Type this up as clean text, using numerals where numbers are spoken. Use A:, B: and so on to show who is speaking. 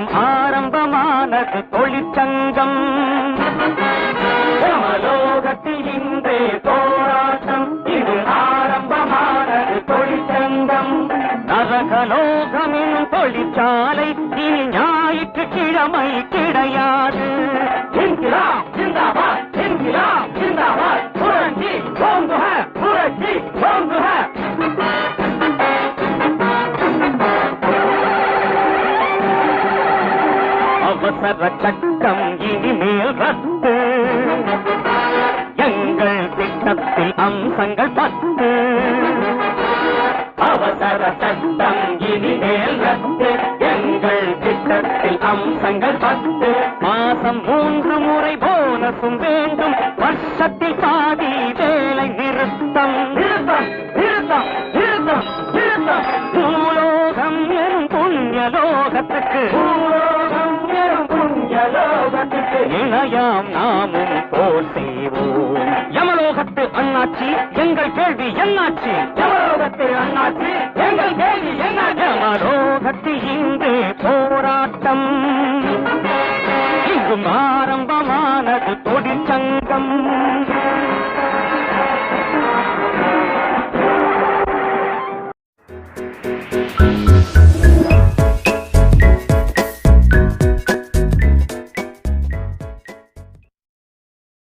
A: இங்கும் ஆரம்பமானது தொழிற்சங்கம். யமலோகத்தில் இன்றே போராட்டம், இது ஆரம்பமானது தொழிற்சங்கம். நரகலோகமின் தொழிற்சாலை இனி ஞாயிற்றுக்கிழமை கிடையாது. இன்கிலாப் ஜிந்தாபாத், இன்கிலாப் ஜிந்தாபாத், புரட்சி ஓங்குக, புரட்சி ஓங்குக. அவசர சட்டம் இனிமேல் ரத்து, எங்கள் திட்டத்தில் அம்சங்கள் 10. அவசர சட்டம் இனிமேல் ரத்து, எங்கள் திட்டத்தில் அம்சங்கள் 10. மாசம் 3 முறை போனஸும் வேண்டும், வருஷத்தில் பாதி வேலை நிறுத்தம். நிறுத்தம் நிறுத்தம் நிறுத்தம் நிறுத்தம். பூலோகம் எனும் புண்ணியலோகத்துக்கு, பூலோகம் எனும் புண்ணியலோகத்துக்கு இணையாம் நாமும் போர் செய்வோம். யமலோகத்து அண்ணாச்சி எங்கள் கேள்வி என்னாச்சு? யமலோகத்து அண்ணாச்சி எங்கள் கேள்வி என்ன? யமலோகத்து இன்று போராட்டம், இங்கும்